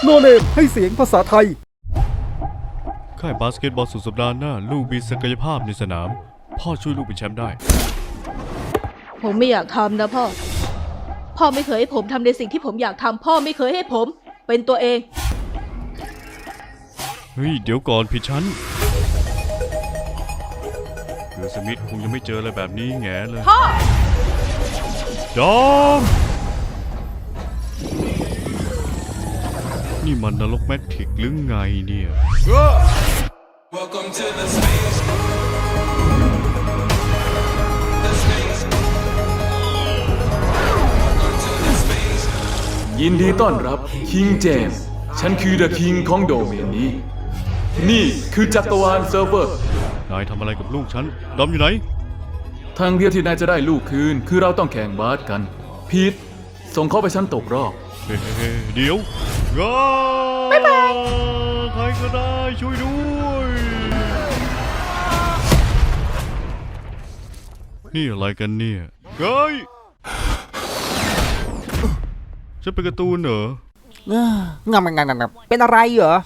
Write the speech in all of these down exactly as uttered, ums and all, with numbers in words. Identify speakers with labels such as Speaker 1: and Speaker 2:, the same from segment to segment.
Speaker 1: โนเนมให้เสียงภาษาไทย
Speaker 2: ค่ายบาสเกตบอลสุดสัปดาห์หน้าลูกมีศักยภาพในสนามพ่อช่วยลูกเป็นแชมป์ได้
Speaker 3: ผมไม่อยากทำนะพ่อพ่อไม่เคยให้ผมทำในสิ่งที่ผมอยากทำพ่อไม่เคยให้ผมเป็นตัวเอง
Speaker 2: เฮ้ยเดี๋ยวก่อนพี่ชั้นเรือสมิธคงยังไม่เจออะไรแบบนี้แง่เลย
Speaker 3: พ่อ
Speaker 2: จอมนี่มันนรกแมทริกหรือไงเนี่ย
Speaker 4: Welcome to the space. The space. Welcome to the space.
Speaker 5: ยินดีต้อนรับคิงเจมส์ฉันคือเดอะคิงของโดเมนนี้นี่คือจักรวาลเซิร์ฟเวอร์
Speaker 2: นายทำอะไรกับลูกฉันดอมอยู่ไหน
Speaker 5: ทางเดียวที่นายจะได้ลูกคืนคือเราต้องแข่งบาสกันพีทส่งเขาไปชั้นตกรอบ
Speaker 2: เฮ้เดี๋ยวบ๊ายบายใครก็ได้ช่วยด้วยนี่อะไรกันเนี่ยเฮ้ยฉันเป็นการ์ตูนเหรอ
Speaker 1: เงาเงาเงาเงาเป็นอะไรเหรอ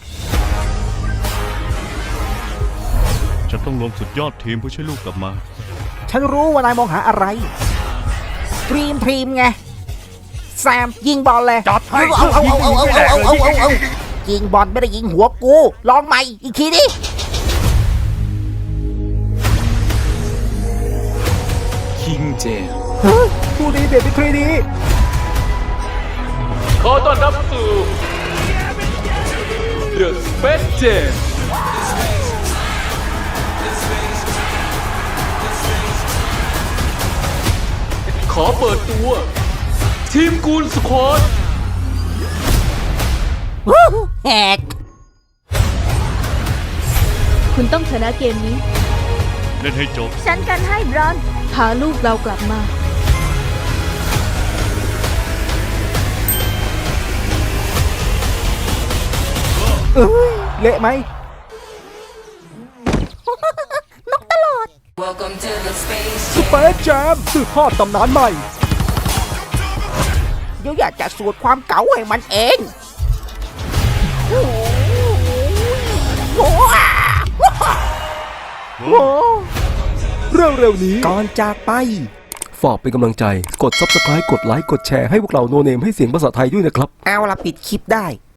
Speaker 2: ฉันต้องลงสุดยอดทีมเพื่อช่วยลูกกลับมา
Speaker 1: ฉันรู้ว่านายมองหาอะไรดรีมทีมไงแซมยิงบอลเลย
Speaker 2: จัดให้
Speaker 1: เอาเอาเอาเอาเอาเอาเอาเอายิงบอลไม่ได้ยิงหัวกูลองใหม่อีกทีดิ
Speaker 5: คิงเจมส์
Speaker 1: ผู้ดีเด็ดเป็นทรีดี
Speaker 5: ขอต้อนรับสู่ The Space Jam ขอเปิดตัวทีมกูลสควอต
Speaker 1: แฮก
Speaker 3: คุณต้องชนะเกมนี้
Speaker 2: เล่นให้จบ
Speaker 3: ฉันกันให้บรอนพาลูกเรากลับมา
Speaker 1: เอ้ยเละไหมนกตลอด
Speaker 4: Welcome to the space.
Speaker 1: สเปซแจมสืบทอดตำนานใหม่เดี๋ยวอยากจะสูตรความเก๋าให้มันเองโอ้โหเร็วๆนี้ก่อนจากไปฝากเป็นกำลังใจกด ซับสไครบ์ กดไลค์กดแชร์ให้พวกเราโนเนมให้เสียงภาษาไทยด้วยนะครับเอาละปิดคลิปได้